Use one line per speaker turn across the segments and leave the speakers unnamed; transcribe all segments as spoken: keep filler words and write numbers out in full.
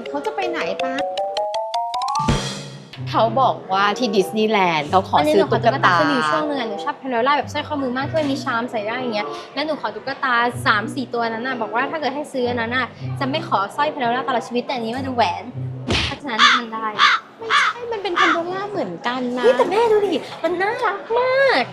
เขาจะไปไหนปะเขาบอกว่าที่ดิสนีย์แลนด์เขาขอซื้อตุ๊กตา
คือมีช่วงนึงอ่ะหนูชอบเพนโดล่าแบบสร้อยข้อมือมากที่มีชามใส่ได้อย่างเงี้ยแล้วหนูขอตุ๊กตา สามสี่ ตัวนั้นน่ะบอกว่าถ้าเกิดให้ซื้ออันนั้นน่ะจะไม่ขอสร้อยเพนโดล่าตลอดชีวิตแต่อันนี้มันจะแหวนเพราะฉะนั้นมันได้
ไม่ใช่มันเป็นพันโดล่าเหมือนกันนะ
นี่แต่แม่ดูดิมันน่ารักมาก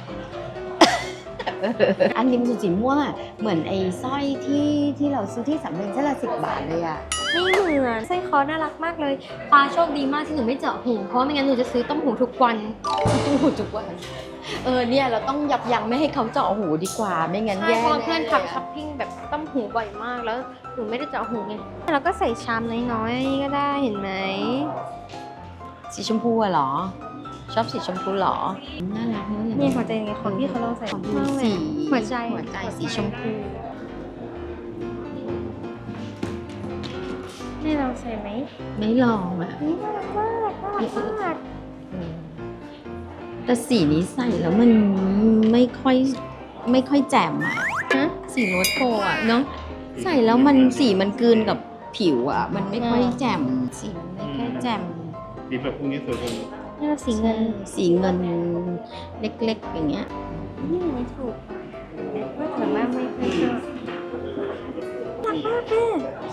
อันนี้มันสีม่วงอะเหมือนไอ้สร้อยที่ที่เราซื้อที่สำเพ็งเส้นละสิบบาทเลยอะ
ไม่เหมือนสร้อยคอน่ารักมากเลยปาโชคดีมากที่หนูไม่เจาะหูเพราะไม่งั้นหนูจะซื้อต้มหูทุกวัน
ต้มหูทุกวันเออเนี่ยเราต้องยับยั้งไม่ให้เขาเจาะหูดีกว่าไม่งั้นแย่
เพราะเพื่อนขับช้อปปิ้งแบบต้มหูบ่อยมากแล้วหนูไม่ได้เจาะหูไงเราก็ใส่ชามน้อยๆก็ได้เห็นไหม
สีชมพูอะเหรอชอบสีชมพูเหรอน่ารักเนอะ
นี่หัวใจไงของพี่เขาลองใส่
สี
หัวใจ
หัวใจสีชมพู
นี่ลองใส่ไหม
ไม่ลองอ่ะ
นี่น่ารักมากน่ารักมาก
แต่สีนี้ใส่แล้วมันไม่ค่อยไม่ค่อยแจ่มอ่ะ
ฮะ
สีโรสโกอ่ะเนาะใส่แล้วมันสีมันกลืนกับผิวอ่ะมันไม่ค่อยแจ่มสีมันไม่ค่อยแจ่ม
สีแบบพวกนี้สวยกว่า
นี่เราสีเงิน
สีเงินเล็กๆอย่างเงี้ย
นี่ไม่ถูกว่าแต่ว่าไม่ค่อยชอบรักมากแม่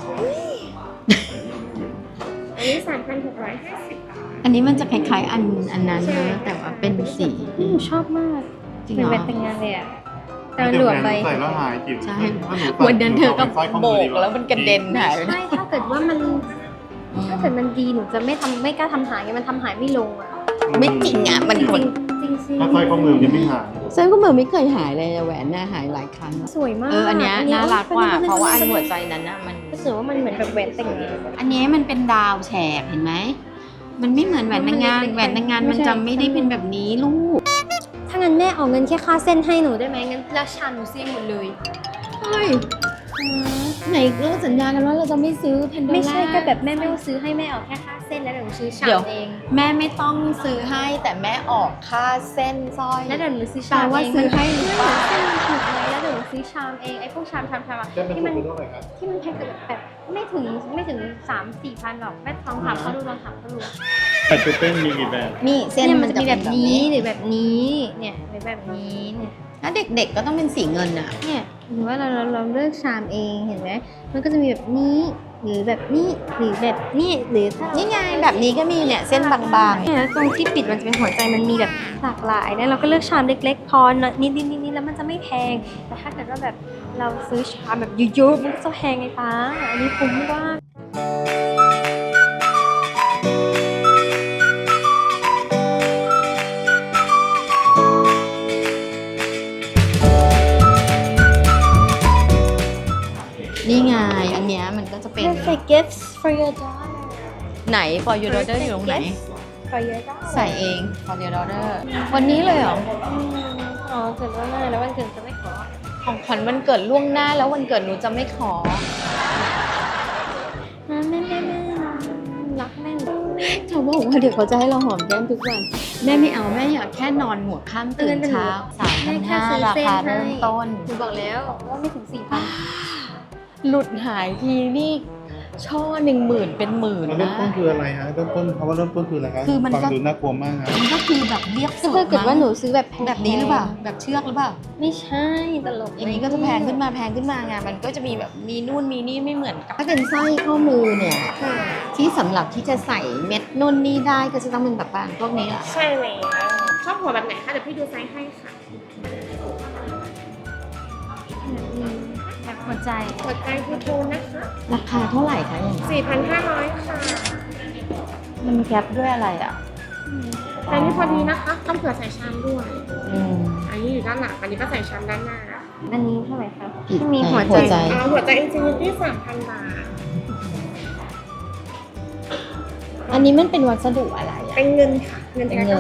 อันนี้สามพันหกร้อยห้าสิบ
อันนี้มันจะคล้ายๆอันอันนั้นนะแต่ว่าเป็นสี
ชอบมากเหมือนแบบแต่งงานเลยอ่ะแต่หลวมไป
ใส่แล้วหายจิ๋ว
ใช่วันนั้นเธอก็โบกแล้วมันกระเด็นหาย
ใช่ถ้าเกิดว่ามันถ้าเกิดมันดีหนูจะไม่ทำไม่กล้าทำหายไงมันทำหายไม่ลงอ่ะ
ไม่จริงอ่ะมัน
จริงจริงสิ
ถ้าสร้อยข้อมือยังไม่หาย
สร้อยข้อมือไม่เคยหายเลยแหวนน่ะหายหลายครั้ง
สวยมาก
เอออันนี้น่ารักกว่าเพราะว่าอันหัวใจนั้นน่ะมัน
รู้สึกว่ามันเหมือนแบบแหวนแต่งงาน
อันนี้มันเป็นดาวแฉกเห็นไหมมันไม่เหมือนแหวนแต่งงานแหวนแต่งงานมันจะไม่ได้เป็นแบบนี้ลูก
ถ้างั้นแม่เอาเงินแค่ค่าเส้นให้หนูได้ไหมงั้นราชาหนูเสี่ยงหมดเลย
เฮ้ยไหนเราสัญญากันว่าเราจะไม่ซื้อแพนโดล่า
ไม่ใช่ก็แบบแม่ไม่ต้องซื้อให้แม่เอาแค่ค่าเส้นแล้วเดี๋ยวหนูซื้อชามเอง
แม่ไม่ต้องซื้อให้แต่แม่ออกค่าเส้นสร้อย
แล้วเดี๋ยวหนูซื้อชามเองว่าซื้อให้หรือเปล่าเส้นมันถูกไหมแล้วเดี๋ยวหนูซื้อชามเองไอ้พวกชามชามชามที่มันที่มันแพงแบบไม่ถึงไม่ถึงสามสี่พันหรอกแม่ลองถามเขาดูลองถามเขาดู
แต่ชุดเต้นมีกี่แบบ
มีเส้น
มันจะมีแบบนี้หรือแบบนี้เนี่ยหรือแบบนี้เนี่ย
ถ้าเด็กๆก็ต้องเป็นสีเงินอะ
เนี่ยหรือว่าเราเราเราเลือกชามเองเห็นไหมมันก็จะมีแบบนี้หรือแบบนี้หรือแบบนี้หรือถ้า
นี่ไงแบบนี้ก็มีเนี่ยเส้นบางๆ
เนี่ยตรงที่ปิดมันจะเป็นหัวใจมันมีแบบหลากหลายนะเราก็เลือกชามเล็กๆพอนิดนิดนิดนิดแล้วมันจะไม่แพงแต่ถ้าเกิดว่าแบบเราซื้อชามแบบเยอะๆมันก็จะแพงไงป้าอันนี้คุ้มมาก
นี่ไงอันเนี้ยมันก็จะเป็น
perfect gifts for your daughter
ไหน for your daughter อยู่ตรงไหน
for your daughter
ใส่เอง for your daughter วันนี้เลยเหรอ
อ๋อเกิดล่วงหน้าแล้ววันเกิดจะไม่ขอ
ของขวัญวันเกิดล่วงหน้าแล้ววันเกิดหนูจะไม่ขอ
แม่แม่แม่รักแม่
เขาบอกว่าเดี๋ยวเขาจะให้เราหอมแก้มทุกวันแม่ไม่เอาแม่อยากแค่นอนหัวค่ำตื่นเช้าสามพันห้าราคาเริ่มต้น
หนูบอกแล้วว่าไม่ถึงสี่พัน
หลุดหายทีนี่ช่อหนึ่งหมื่นเป็นหมื่นนะ
เริ่มต้นคืออะไรฮะเริ่มต้นเพราะว่าเริ่มต้นคืออะไรครับ
คือมัน
ฟังดูน่ากลัวมากครับ
มันก็คือแบบเรียบสุด
ถ้าเกิดว่าหนูซื้อแบบ
แบบนี้หรือเปล่าแบบเชือกหรือเปล่า
ไม่ใช่ตลก
อย่างนี้ก็จะแพงขึ้นมาแพงขึ้นมาไงมันก็จะมีแบบมีนู่นมีนี่ไม่เหมือนกันถ้าเป็นสร้อยข้อมือเนี่ยที่สำหรับที่จะใส่เม็ดนู่นนี่ได้ก็จะต้องเป็นแบบพวกนี้แหละ
ใช่เลยชอบหัวแบบไหนคะเดี๋ยวพี่ดูไซส์ให้ค่ะแบบหัวใจหัวใจทูโทนนะคะ
ราคาเท่าไหร่คะอย่างนี้
สี่พันห้าร้อย ค่ะ
มันแก๊ปด้วยอะไรอ่ะ
แต่นี่พอดีนะคะต้องเผื่อใส่ชามด้วย
อืม
อันนี้อยู่ด้านหลังอันนี้ก็ใส่ชามด้านหน้าอันนี้เท่าไหร่คะที่มีหัว
ใจ
อ่าหัวใจอินฟินิตี้สามพันบาท
อันนี้มันเป็นวัสดุอะไรอ่ะ
เป็นเงินค่ะเงิน
เป็นเงิน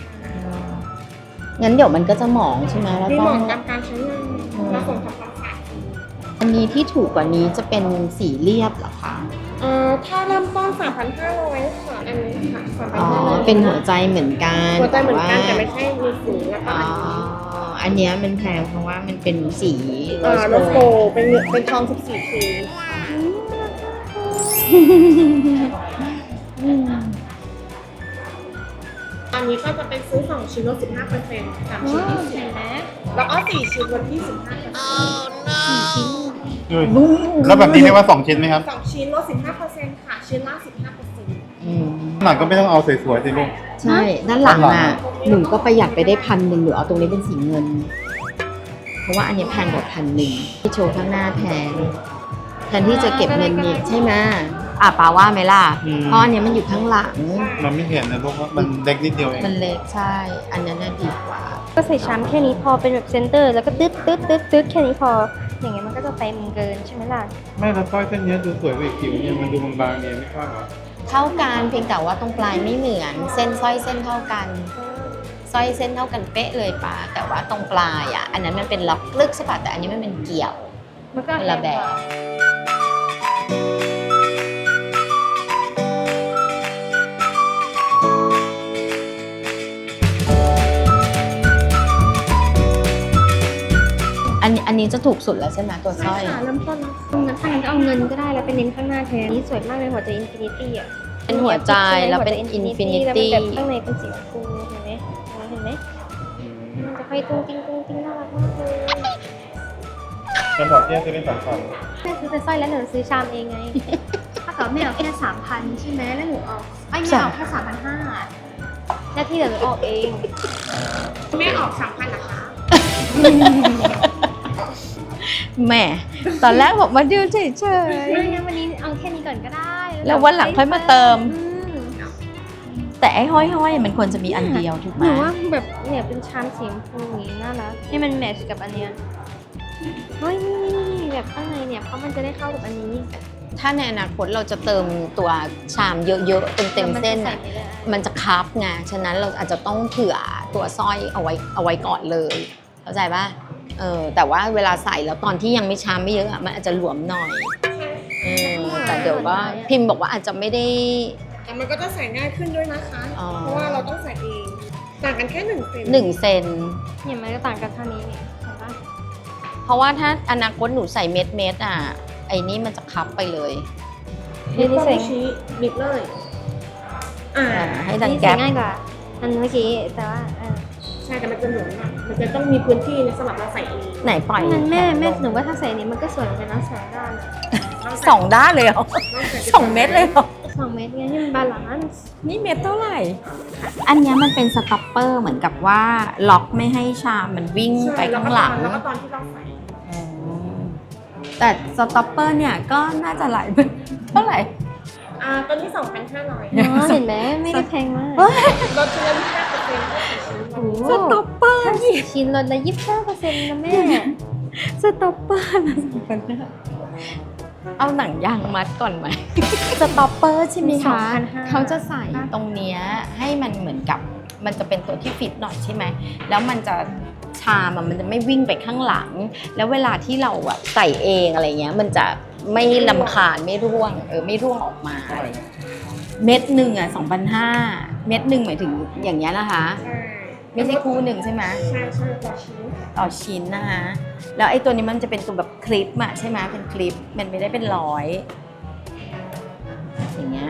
งั้นเดี๋ยวมันก็จะหมองใช่ไหมแล้ว
ต้องหมองตามการใช้งานเราส่งทำความสะอาด
อันนี้ที่ถูกกว่านี้จะเป็นสีเรียบเหรอคะ
เอ่อถ้าเริ่มต้น สามพันห้าร้อย ค่ะอันนี้ค่ะสามพันห้าร้อย
อ๋อเป็นหัวใจเหมือนกัน
หัวใจเหมือนกันแต่ไม่ใช่มีสีแล้วก็
อ๋ออันนี้มันแพงเพราะว่ามันเป็นสี
โรสโกเป็นเป็นทองสิบสี่ เค
ตอนนี้ก็จะเป็นซื้อสองชิ้นลดสิบห้าเปอร์เซ็นต์สามชิ้น
ว้าว
ยี่สิบ
เห็นไหม
แล้วก็สี่ชิ้นลดยี่สิบห้าเปอร์เซ็นต์
สี่ชิ้น
แล้วแบบนี้เรียกว่าสองชิ้นไหมครับ
สองชิ้นลดสิบห้าเปอร์เซ็นต์ค่ะ ชิ้นละสิบห้าเปอร์เซ็นต์
อืม
หลังก็ไม่ต้องเอาสวยๆสิลูก
ใช่ ด้านหลังอ่ะ หนูก็ประหยัดไปได้พันหนึ่งหนูเอาตรงนี้เป็นสีเงิน เพราะว่าอันนี้แพงกว่าพันหนึ่งที่โชว์ข้างหน้าแพงแทนที่จะเก็บเงินนี่ใช่ไหมอ่ะปาว่าไหมล่ะ
อืม
เพราะอันเนี้ยมันอยู่ข้างหลัง
มันไม่เห็นนะลูกว่ามันเล็กนิดเดียวเอง
มันเล็กใช่ อันนั้นน่ะดีกว่า
ก็ใส่ชามแค่นี้พอเป็นแบบเซนเตอร์ แล้วก็ตึ๊ดตึ๊ดตึ๊ดตึ๊ดแค่นี้พอ อย่างเงี้ยมันก็จะเต็มเกินใช่ไหมล่ะ
ไม่แล้วสร้อยเส้นเนี้ยดูสวยกว่าอีกผิวเนี่ยมันดูบางๆเนี่ยไม่ชอบเหรอ
เท่ากันเพียงแต่ว่าตรงปลายไม่เหมือน เส้นสร้อยเส้นเท่ากันสร้อยเส้นเท่ากันเป๊ะเลยปาแต่ว่าตรงปลายอ่ะ อันนั้นมันเป็นล็อกลึกใช่ปะแต่อันนี้มันเป็นเกี่ยว
มันก็
คนละแบบ อันนี้อันนี้จะถูกสุดแล้วใช่ไหมตัวสร้อย
ค่ะเริ่มต้นงั้นถ้างั้นก็เอาเงินก็ได้แล้วเป็นเน้นข้างหน้าแทนนี่สวยมากเลยหัวใจอินฟินิตี้อ่ะ
เป็นหัวใจแล้วเป็น
หัวใจ
infinity
แล้วเป็นแบบข้างในเป็นสีชมพูเห็นไหมเห็นไหมมันจะค่อยตุ้งติ้งตุ้งติ้งน่ารักมากเลย
แล้วบอกเที่ยจะเป็นสองฝั่ง
แม่ซื้อแต่สร้อยแล้วหนูซื้อชามเองไง ถ้าเกิดแม่เอาแค่สามพันใช่ไหมแล้วหนูเอาไอ้ยแม่เอาแค่สามพันห้าแล้วที่เหลือหนูออกเอง
แม่ออกสามพันนะคะ
แหม่ตอนแรกบอกมาดูเฉย
ไม่งั้นวันนี้เอาแค่นี้ก่อนก็ได้
แล้ววันหลังค่อยมาเติม
อืม
ๆแต่ไอ้ห้อยๆมันควรจะมีอันเดียวถูกไห
ห
ม
นูว่าแบบเนี่ยเป็นชามสีชมพูอย่างนี้น่ารักให้มันแมทช์กับอันเนี้ยเฮ้ยนี่นี่นี่แบบข้างในเนี่ยเพราะมันจะได้เข้ากับอันนี้
ถ้าในอนาคตเราจะเติมตัวชามเยอะๆเต็มๆเส้น
แต่
อ่ะ
มัจะใส่ไม่ได้
มันจะคับไงฉะนั้นเราอาจจะต้องเผื่อตัวสร้อยเอาไว้เอาไว้ก่อนเลยเข้าใจป่ะเออแต่ว่าเวลาใส่แล้วตอนที่ยังไม่ชามไม่เยอะอะมันอาจจะหลวมหน่อยเออแต่เดี๋ยวก็พิมพ์บอกว่าอาจจะไม่ได้
แต่มันก็จะใส่ง่ายขึ้นด้วยนะคะ
อ๋อ
เพราะว่าเราต้องใส่เอง ต่างกันแค่หนึ่งเซน
หนึ่งเซน
เนี่ยมันก็ต่างกันเท่านี้นี่เห็นปะ
เพราะว่าถ้าอนาคตหนูใส่เม็ดเม็ดๆอ่ะไอ้นี่มันจะคับไปเลย
นี่ต้องชี้บิดเลย อ่า
อ่าให้
อั
ดั
น
ง
นี้ใส่
แก๊ป
ง่ายกว่าอันเมื่อกี้แต่ว่าเออ
ใช่แต่มันจะหลวมหน่อยมันจะต้องมีพื้นที่สำหรับเราใส่เอง
ไหนปล่อย
งั้นแม่
ขน
แม่
ลง
หนูว่าถ้าใส่อันนี้มันก็สวยเหมือนกันนะสองด้านอะ
สองด้านเลยเหรอสองเม็ดเลยเหรอ
สองเม็ดไงให้มันบาลานซ์
นี่เม็ดเท่าไหร่ อันเนี้ยมันเป็นสต็อปเปอร์เหมือนกับว่าล็อกไม่ให้ชามมันวิ่งไปข้างหลัง
แล้วก็ตอนที่เราใส่
อืมแต่สต็อปเปอร์เนี่ยก็น่าจะหลาย เท่าไหร่
อ่าตอนนี้สองพันห้าร้อย
เนาะเห็นไหมไม่ได้แพงมาก
ลดชิ้นละยี่สิบห้าเปอร์เซ็นต์ก็สี่ชิ้น
โอ้โห
สต็อปเปอร์
ถ้าสี่ชิ้นลดละยี่สิบห้าเปอร์เซ็นต์นะแม่
สต็อปเปอร์นะสองพันห้าเอาหนังยางมัดก่อนไหม สต็อปเปอร์ใช่ไหมคะ
สองพันห้า
เขาจะใส่ตรงเนี้ยให้มันเหมือนกับมันจะเป็นตัวที่ฟิตหน่อยใช่ไหมแล้วมันจะชามอะมันจะไม่วิ่งไปข้างหลัง แล้วเวลาที่เราอะใส่เองอะไรเงี้ยมันจะไม่ลำคาญไม่ร่วงเออไม่ร่วงออกมาอะไรเงี้ยเม็ดหนึ่งอะสองพันห้าเม็ดหนึ่งหมายถึงอย่างเงี้ยนะคะ
ใช่
ไม่ใช่คู่หนึ่งใช่ไหม
ใช่ใช่ต่อชิ้น
ต่อชิ้นนะคะแล้วไอ้ตัวนี้มันจะเป็นตัวแบบคลิปอะใช่ไหมเป็นคลิปมันไม่ได้เป็นร้อยอย่างเงี้ย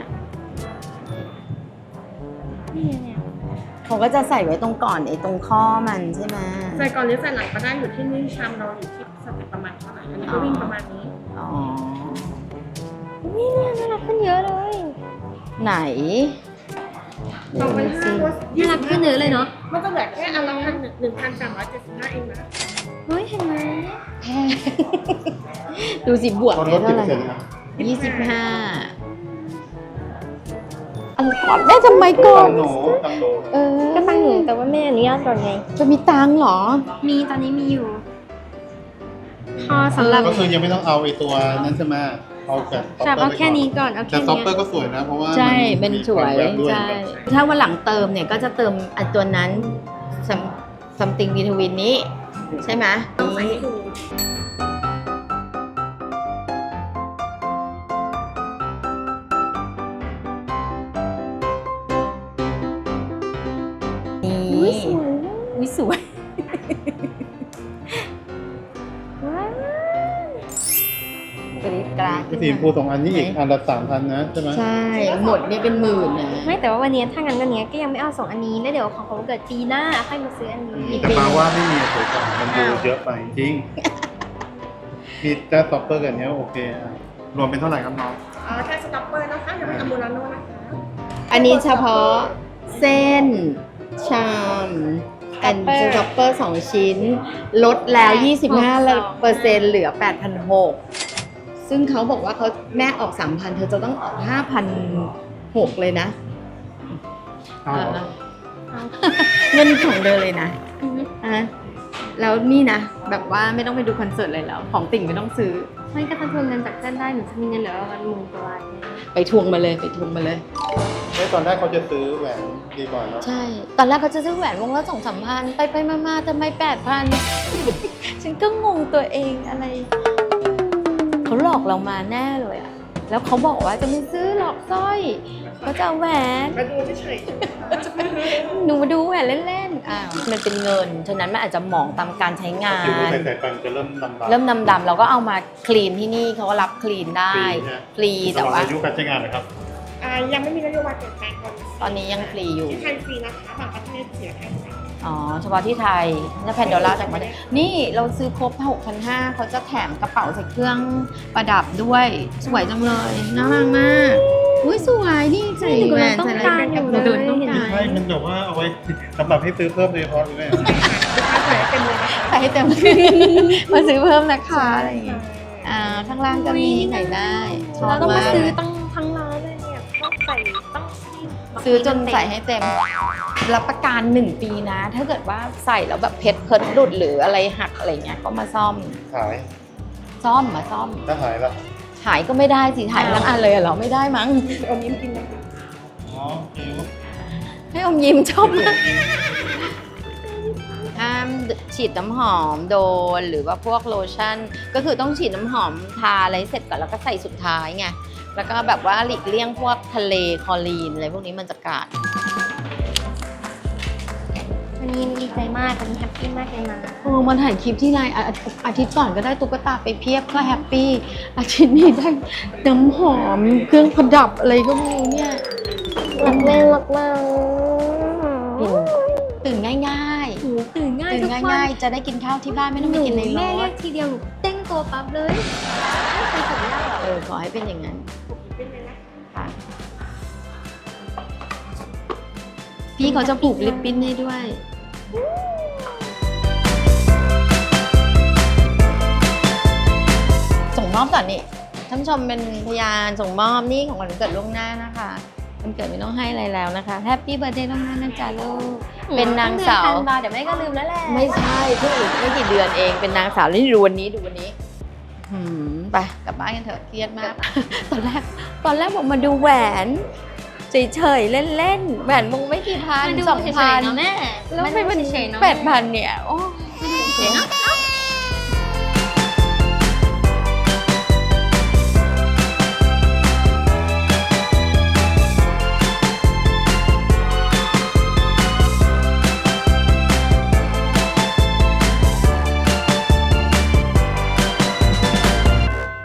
นี่เนี่ย
เขาก็จะใส่ไว้ตรงก่อนไอ้ตรงข้อมันใช่ไหม
ใส่ก่อนหรือใส่หลังก็ได้อยู่ที่นี่ชามเราอยู่ที่สเต็ปประมาณเท่าไหร่อันนี้ก็วิ่งประมาณนี้
อ๋อ
นี่เนี่ยน่ารักขึ้นเยอะเลย
ไหน
สองพันห้าลด
น่ารักขึ้นเยอะเลยเนาะ
มันจะเหลือแค่อันละพันหนึ่งพันสามร้อยเจ็ดสิบห้าเองนะ
เฮ้ยเห็นไหม
ดูสิบวก
ตอน
ไป
ลดกี่
เท่า
เป
ไห
อ
ร่
ร์เซ็นต์นะครับ
ยี่สิบห้าอันก่อนแม่ทำไมก่อ
ตั
น
งหนูตังหนู
เออ
ก็ตั้งหนูแต่ว่าแม่อนุญาตก่อนไง
จะมีตังค์เหรอ
มีตอนนี้มีอยู่ พอสำหรับ
ก็คือยังไม่ต้องเอาไอ้ตัวนั้นใช่ไหมเอาแต่
จับเอาแค่นี้ก่อนเอา
แต่
แค่
ซ็อป
นี้
เปอร์ก็สวยนะ เพราะว่า
ใช่
มั
เป็นสวย
มีความแบด้วย
ใช่ ถ้าวันหลังเติมเนี่ยก็จะเติมอันตัวนั้น something between นี้ ใช่ไหม
ต้องใส่ให้ดู
นี่
อุ้ยสวย
อุ้ยสวย
ว้าว
กรีดกราด
สีชมพูสองอันนี้อีกอันละสามพันนะใช่ไหม
ใช่ หมดนี่เป็นหมื่นนะ
ไม่แต่ว่าวันนี้ถ้างั้นวันนี้ก็ยังไม่เอาสองอันนี้แล้วเดี๋ยวของเขาเกิดปีหน้าค่อยมาซื้ออันนี้
แต่มาว่าไม่มีสวยกว่ามันดูเยอะไปจริง มีแจ๊สต็อปเปอร์กันเนี้ยโอเคอ่ะรวมเป็นเท่าไหร่ครับน้อง
อ๋อแค่สต็อปเปอร์นะคะยังไม่อัมบูราโน่นะคะ
อันนี้เฉพาะเส้น ชามแอนด์สต็อปเปอร์สองชิ้น ลดแล้ว ยี่สิบห้าเปอร์เซ็นต์ เหลือ แปดพันหกร้อย ซึ่งเขาบอกว่าเขาแม่ออก สามพัน เธอจะต้องออก ห้าพันหกร้อย เลยนะ
เอาเหรอ
เงินของเธอเลยนะ
อือฮึ
อ่ะแล้วนี่นะ แบบว่าไม่ต้องไปดูคอนเสิร์ตเลยแล้ว ของติ่งไม่ต้องซื้อ
ไม่ก็ถ้าทวงเงินจากเส้นได้หนูจะมีเงินเหลือประมาณหมื่นกว่าบาท
ไปทวงมาเลยไปทวงมาเลย
เฮ้ยตอนแรกเขาจะซื้อแหวนดีกว่าเนาะ
ใช่ ตอนแรกเขาจะซื้อแหวนวงละสองสามพันไปไปมามาทำไมแปดพัน ฉันก็งงตัวเองอะไร เขาหลอกเรามาแน่เลยอะแล้วเขาบอกว่าจะไม่ซื้อหลอกสร้อยเขาจะเอาแหวน
มาดูเฉย
หนูมาดูแหวนเล่นๆอ้าวมันเป็นเงิน ฉะนั้นมันอาจจะหมองตามการใช้งา
ผิวน
น
ใส่ๆไปมันจะเริ่มดำๆ
เริ่มดำๆเราก็เอามาคลีนที่นี่เขาก็รับคลีนได้ ฟรี
แต่
แต่
ว่า
ว่า
อายุการใช้งานนะครับ
ๆอ่ายังไม่มีนโยบายเปลี่ยนแปลงก่อน
ตอนนี้ยังฟรีอยู่
ที่ไทยฟรีนะคะบางประเทศเสียค่าใช้จ่าย
อ๋อ เฉพาะที่ไทยถ้าแพนโดล่าจากมานี่เราซื้อครบ หกพันห้าร้อย เขาจะแถมกระเป๋าใส่เครื่องประดับด้วย สวยจังเลย น่ารักมาก อุ้ยสวยนี่ใส่แหวนใส่อะไร
ต้องการอยู่เลย
หนูต้อง
เห็น
กา
ไหม
ร
ใช่ มันแบบว่าเอาไว้สำหรับให้ซื้อเพิ่มโดยเฉพาะเลยแม่
ลูกค้าใส่ให้เต็มเลยนะคะ
ใส่ให้เต็ม มาซื้อเพิ่มนะคะอะไรอย่างเงี้ยอ่า ข้างล่างก็มีใส่ได้ชอบ
เราต้อง
มาม
าก ซื้อตั้งทั้งร้านเลยเนี่ยต้องใส่ต้อง
ซื้อจนใส่ให้เต็ม รับประกันหนึ่งปีนะ ถ้าเกิดว่าใส่แล้วแบบเพชรเพิร์ดหลุดหรืออะไรหักอะไรเงี้ยก็มาซ่อม
ขาย
ซ่อมมาซ่อม
ถ้าหายละ
หายก็ไม่ได้สิหายทั้งอันเลยเหรอไม่ได้มั้ง
อมยิ้มกินนะคะ
อ๋อจิ๋ว
ให้อมยิ้มชอบมากห้ามฉีดน้ำหอมโดนหรือว่าพวกโลชั่น ก็คือต้องฉีดน้ำหอมทาอะไรเสร็จก่อนแล้วก็ใส่สุดท้ายไงแล้วก็แบบว่าหลีกเลี่ยงพวกทะเลคลอรีนอะไรพวกนี้มันจะกัด
วันนี้ดีใจมากวันนี้แฮปปี้มากเลยนะ
โอ้มันถ่ายคลิปที่ไรอาอาอาทิตย์ก่อนก็ได้ตุ๊กตาไปเพียบก็แฮปปี้อาทิตย์นี้ได้น้ำหอมเครื่องประดับอะไรก็ไม่รู้เนี่ย
รักแม่รักมาก
ตื่นง่าย
หนูตื่น
ๆ
ง่าย
ตื่น
ทุกวัน
ง่ายๆ จะได้กินข้าวที่บ้านไม่ต้องไปกินในร
แม่เรีย
ถ
กทีเดียวหนูเต้งตัวปั๊บเลยไม่เคยทำได้หรอก
เออขอให้เป็นอย่างนั้น
เป็นเลยนะ
ค่ะพี่เขาจะผูกลิปบิ้นให้ด้วย ส่งมอบก่อนนี่ท่านผู้ชมเป็นพยานส่งมอบนี่ของขวัญวันเกิดล่วงหน้านะคะวันเกิดไม่ต้องให้อะไรแล้วนะคะแฮปปี้เบิร์ดเดย์ล่วงหน้านะจ๊ะลูกเป็นนางสาว
ต้องเดือนธันวาเดี๋ยวแม่ก็ลืมแล้วแหละ
ไม่ใช่เพิ่งอีกไม่กี่เดือนเองเป็นนางสาวนี่ดูวันนี้ดูวันนี้หืมไปกลับบ้านกันเถอะเครียดมาก ตอนแรกตอนแรกบอกมาดูแหวนเฉยๆเล่นๆแหวนวงไม่กี่พัน
มันดู
สอง
เฉ
พั
ย
น
ๆเนาะแม่
แล้วไม่เป็น
เฉยๆเนาะ
แปดพันเนี่ยโอ้
เฉยๆเนาะ